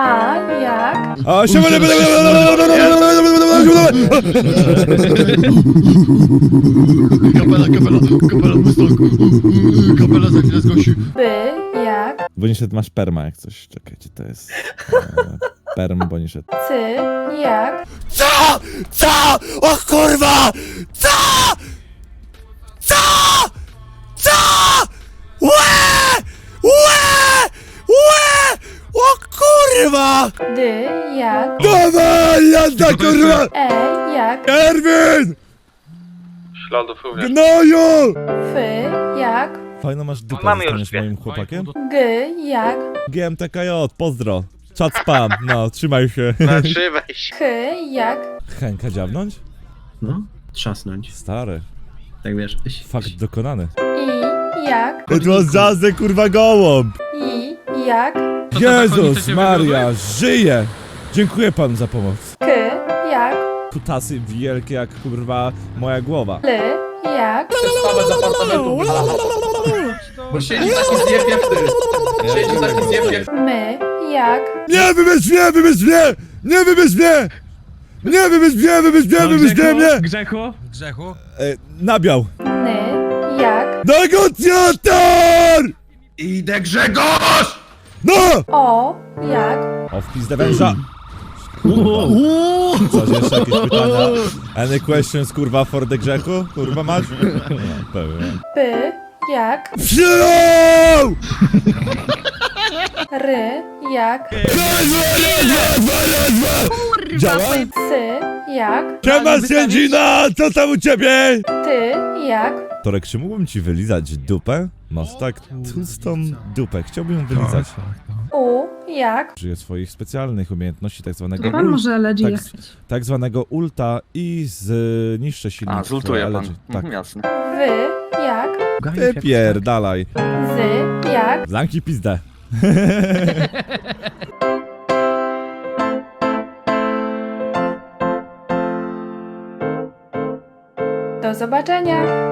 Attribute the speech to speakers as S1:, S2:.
S1: A jak?
S2: A się
S3: Kapela, kapela za chwilę zgłosi.
S1: B jak?
S2: Boniszet masz perma jak coś, czekajcie, to jest perm Boniszet.
S1: C jak?
S2: Co? Co? O kurwa! Co? Co? Co? Łe! Łe! Łe! O kurwa!
S1: D jak?
S2: Dawaj, jazda kurwa!
S1: E jak?
S2: Erwin!
S4: Śladów również.
S2: Gnoju!
S1: F jak?
S2: Fajno masz dupę,
S4: Mamy
S2: zostaniesz
S4: już dwie.
S2: moim chłopakiem?
S1: G jak?
S2: GMTKJ, pozdro. Czat spam, no, trzymaj się.
S4: Zatrzymaj się.
S1: H jak?
S2: Henka dziabnąć?
S3: No, trzasnąć.
S2: Stary,
S3: Tak wiesz.
S2: fakt dokonany.
S1: I jak?
S2: It was just a kurwa gołąb!
S1: I jak?
S2: Jezus Maria, żyje! Dziękuję panu za pomoc.
S1: K jak?
S2: Kutasy wielkie jak kurwa moja głowa.
S1: L jak?
S5: Bo siedzi taki zjeb jak ty. Siedzi taki zjeb jak...
S1: M jak?
S2: Nie wybierz mnie, wybierz mnie! Nie wybierz mnie! Nie wybierz mnie, wybierz mnie, wybierz mnie!
S6: Grzechu?
S2: Nabiał.
S1: N jak?
S2: Negocjator!
S3: Idę Grzegorz!
S2: No!
S1: O jak?
S2: O, w pizdę węża. Coś jeszcze jakieś pytania? Any questions, kurwa, for the Grzechu? Kurwa masz? No, pewnie.
S1: P jak?
S2: Przyjął!
S1: R jak?
S2: Działa?
S1: C jak?
S2: Siema, sędzina! Co tam u ciebie?
S1: T jak?
S2: Torek, czy mógłbym ci wylizać dupę? Masz tak tłustą dupę, chciałbym ją wylizać.
S1: U jak?
S2: Użyję swoich specjalnych umiejętności, tak zwanego
S7: Pan może LG
S2: tak,
S7: jechać.
S2: tak zwanego ulta i zniszczę silnik.
S4: A, zultuje pan.
S2: Tak.
S4: Jasne.
S1: W jak?
S2: Wypierdalaj.
S1: Z jak?
S2: Zamknij pizdę.
S1: Do zobaczenia!